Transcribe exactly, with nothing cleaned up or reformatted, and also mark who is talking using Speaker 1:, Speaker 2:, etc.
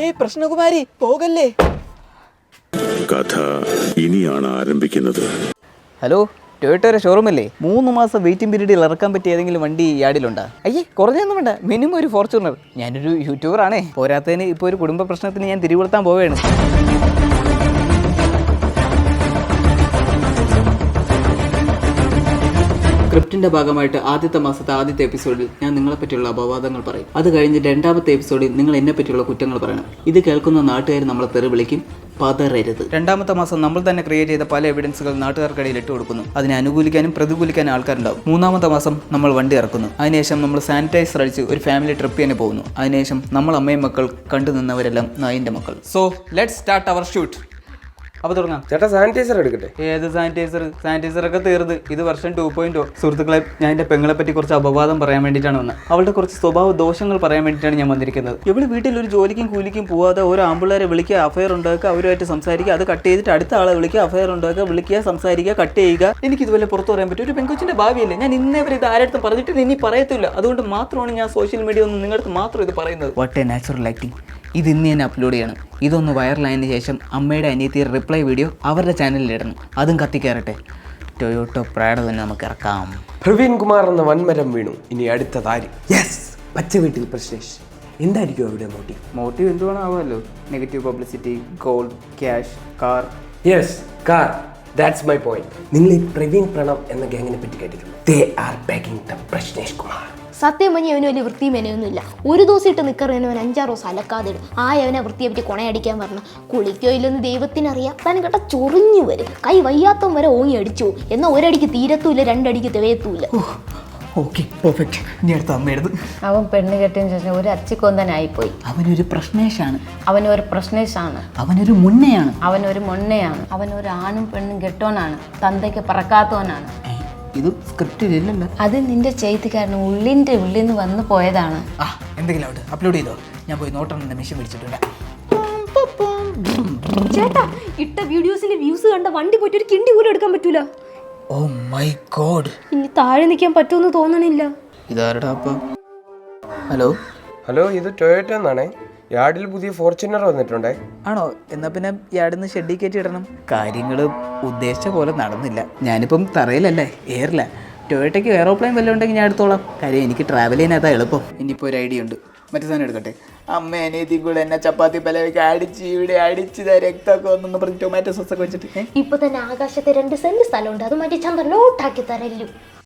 Speaker 1: പ്രശ്നകുമാരി പോകല്ലേ.
Speaker 2: കഥ ഇനിയാണ് ആരംഭിക്കുന്നത്.
Speaker 1: ഹലോ, ടൊയോട്ടയുടെ ഷോറൂമല്ലേ? മൂന്ന് മാസം വെയിറ്റിംഗ് പീരീഡിൽ ഇറക്കാൻ പറ്റിയ ഏതെങ്കിലും വണ്ടി യാർഡിലുണ്ടോ? അയ്യേ, കുറഞ്ഞൊന്നും വേണ്ട, മിനിമം ഒരു ഫോർച്യൂണർ. ഞാനൊരു യൂട്യൂബറാണേ, പോരാത്തതിന് ഇപ്പോൾ ഒരു കുടുംബ പ്രശ്നത്തിന് ഞാൻ തിരികൊളുത്താൻ പോവുകയാണ്. സ്ക്രിപ്റ്റിന്റെ ഭാഗമായിട്ട് ആദ്യത്തെ മാസത്തെ ആദ്യത്തെ എപ്പിസോഡിൽ ഞാൻ നിങ്ങളെ പറ്റിയുള്ള അപവാദങ്ങൾ പറയും. അത് കഴിഞ്ഞ് രണ്ടാമത്തെ എപ്പിസോഡിൽ നിങ്ങൾ എന്നെ പറ്റിയുള്ള കുറ്റങ്ങൾ പറയണം. ഇത് കേൾക്കുന്ന നാട്ടുകാർ നമ്മളെ തെറി വിളിക്കും, പതറരുത്. രണ്ടാമത്തെ മാസം നമ്മൾ തന്നെ ക്രിയേറ്റ് ചെയ്ത പല എവിഡൻസുകൾ നാട്ടുകാർക്കിടയിൽ ഇട്ട് കൊടുക്കുന്നു. അതിനെ അനുകൂലിക്കാനും പ്രതികൂലിക്കാനും ആൾക്കാരുണ്ടാവും. മൂന്നാമത്തെ മാസം നമ്മൾ വണ്ടി ഇറക്കുന്നു. അതിനുശേഷം നമ്മൾ സാനിറ്റൈസർ അടിച്ച് ഒരു ഫാമിലി ട്രിപ്പ് തന്നെ പോകുന്നു. അതിനുശേഷം നമ്മൾ അമ്മയും മക്കൾ കണ്ടു നിന്നവരെല്ലാം നായിൻ്റെ മക്കൾ. So let's start our shoot. അപ്പോൾ തുടങ്ങാം.
Speaker 3: ചേട്ടാ, സാനിറ്റൈസർ എടുക്കട്ടെ?
Speaker 1: ഏത് സാനിറ്റൈസർ? സാനിറ്റൈസർ ഒക്കെ തീർന്ന്. ഇത് വർഷം ടു പോയിന്റ്. സുഹൃത്തുക്കളെ, ഞാൻ എൻ്റെ പെങ്ങളെ പറ്റി കുറച്ച് അപവാദം പറയാൻ വേണ്ടിയിട്ടാണ് വന്നത്. അവളുടെ കുറച്ച് സ്വഭാവ ദോഷങ്ങൾ പറയാൻ വേണ്ടിയിട്ടാണ് ഞാൻ വന്നിരിക്കുന്നത്. ഇവിടെ വീട്ടിൽ ഒരു ജോലിക്കും കൂലിക്കും പോവാതെ ഓരോ ആമ്പിള്ളേരെ വിളിക്കുക, അഫയർ ഉണ്ടാക്കുക, അവരുമായിട്ട് സംസാരിക്കുക, അത് കട്ട് ചെയ്തിട്ട് അടുത്ത ആളെ വിളിക്കുക, അഫയർ ഉണ്ടാക്കുക, വിളിക്കുക, സംസാരിക്കുക, കട്ട് ചെയ്യുക. എനിക്ക് ഇതുപോലെ പുറത്ത് പറയാൻ പറ്റും. ഒരു പെൺകൊച്ചിൻ്റെ ഭാവിയല്ലേ? ഞാൻ ഇന്നേ വരെ ഇത് ആരുടെ പറഞ്ഞിട്ട് ഇനി പറയത്തില്ല. അതുകൊണ്ട് മാത്രമാണ് ഞാൻ സോഷ്യൽ മീഡിയ ഒന്നും നിങ്ങളുടെ മാത്രം ഇത് പറയുന്നത്. What a natural acting. ഇത് ഇന്ന് ഞാൻ അപ്ലോഡ് ചെയ്യണം. ഇതൊന്ന് വൈറലായതിനു ശേഷം അമ്മയുടെ അനിയത്തി റിപ്ലൈ വീഡിയോ അവരുടെ ചാനലിൽ ഇടണം. അതും കത്തിക്കയറട്ടെ. ടൊയോട്ടോ പ്രാഡോ തന്നെ നമുക്ക് ഇറക്കാം.
Speaker 3: പ്രവീൺ കുമാർ എന്ന വൻമരം വീണു. ഇനി അടുത്തതാര്? യെസ്, പച്ച വീട്ടിൽ പ്രശ്നേഷ്. എന്തായിരിക്കും അവിടെ മോട്ടീവ്?
Speaker 1: മോട്ടീവ് എന്തുവേണമാവുമല്ലോ. Negative publicity, gold, cash, car.
Speaker 3: Yes, car. That's my point. നിങ്ങൾ ഈ പ്രവീൺ പ്രണവ് എന്ന ഗാങ്ങിനെ പറ്റി കേട്ടിട്ടുണ്ട്? They are backing the Prasnesh Kumar.
Speaker 4: സത്യം പറഞ്ഞാൽ അവന് വലിയ വൃത്തിയും മെനയൊന്നുമില്ല. ഒരു ദിവസം ഇട്ട് നിൽക്കറിയുന്ന അവൻ അഞ്ചാറ് ദിവസം അലക്കാതെ ഇടും. ആ അവനെ വൃത്തിയെ പറ്റി കൊണയടിക്കാൻ പറഞ്ഞു. കുളിക്കോ ഇല്ലെന്ന് ദൈവത്തിനറിയാം. താൻ കേട്ട ചൊറിഞ്ഞു വരും. കൈ വയ്യാത്തം വരെ ഓങ്ങി അടിച്ചു. എന്നാൽ ഒരടിക്ക് തീരത്തുമില്ല, രണ്ടടിക്ക് തികയത്തുമില്ല.
Speaker 1: Okay, perfect. ഇനി അടുത്ത അമ്മയെടുത്ത്.
Speaker 5: അവൻ പെണ്ണ് കെട്ടിയതിന് ശേഷം ഒരു അച്ചിക്കൊന്തനായിപ്പോയി.
Speaker 1: അവനൊരു പ്രശ്നേഷാണ്.
Speaker 5: അവനൊരു പ്രശ്നേഷാണ്.
Speaker 1: അവനൊരു മുന്നയാണ്.
Speaker 5: അവനൊരു മൊണ്ണയാണ്. അവനൊരു ആണും പെണ്ണും കെട്ടോനാണ്. തന്തയ്ക്ക് പറക്കാത്തവനാണ്.
Speaker 1: ഇത് സ്ക്രിപ്റ്റിലില്ലല്ലോ.
Speaker 5: അത് നിന്റെ ചെയ്തിക്കാരൻ ഉള്ളിൻ്റെ ഉള്ളിൽ നിന്ന് വന്നു പോയതാണ്.
Speaker 1: ആ, എന്തെങ്കിലും അവിടെ അപ്ലോഡ് ചെയ്തോ. ഞാൻ പോയി നോട്ടെണ്ണം മെഷീൻ പിടിച്ചിട്ടുണ്ട്.
Speaker 4: ചേട്ടാ, ഇട്ട വീഡിയോസിലെ വ്യൂസ് കണ്ട വണ്ടി പോയിട്ട് ഒരു കിണ്ടി പോലും എടുക്കാൻ പറ്റൂല.
Speaker 1: Oh my god.
Speaker 4: ഇനി താഴെ നിൽക്കാൻ പറ്റുമെന്ന് തോന്നണില്ല.
Speaker 1: ഇതാരടാ അപ്പ? ഹലോ
Speaker 3: ഹലോ, ഇത് ടൊയോട്ടോ എന്നാണേ. യാർഡിൽ പുതിയ ഫോർച്യൂണർ വന്നിട്ടുണ്ടേ.
Speaker 1: ആണോ? എന്നാ പിന്നെ യാർഡിന്ന് ഷെഡി കയറ്റി ഇടണം. കാര്യങ്ങൾ ഉദ്ദേശിച്ച പോലെ നടന്നില്ല. ഞാനിപ്പം തറയിലല്ലേ, എയറില്ല. ടൊയോട്ടയ്ക്ക് എയറോപ്ലെയിൻ വല്ലതും ഉണ്ടെങ്കിൽ ഞാൻ എടുത്തോളാം. കാര്യം എനിക്ക് ട്രാവൽ ചെയ്യാനതാ എളുപ്പം. ഇനിയിപ്പോൾ ഒരു ഐഡിയ ഉണ്ട്. മറ്റേ സാധനം എടുക്കട്ടെ. അമ്മ അനിയത്തി കൂടെ എന്നെ ചപ്പാത്തി പലവയ്ക്ക് അടിച്ച് ഇവിടെ അടിച്ച് രക്തമൊക്കെ വന്നെന്ന് പറഞ്ഞ് ടൊമാറ്റോ സോസൊക്കെ വെച്ചിട്ട്
Speaker 4: ഇപ്പൊ തന്നെ ആകാശത്തെ രണ്ട് സെന്റ് സ്ഥലമുണ്ട്. അത് മാറ്റി ചന്ദ്രൻ ലോട്ടാക്കി തരല്ലു.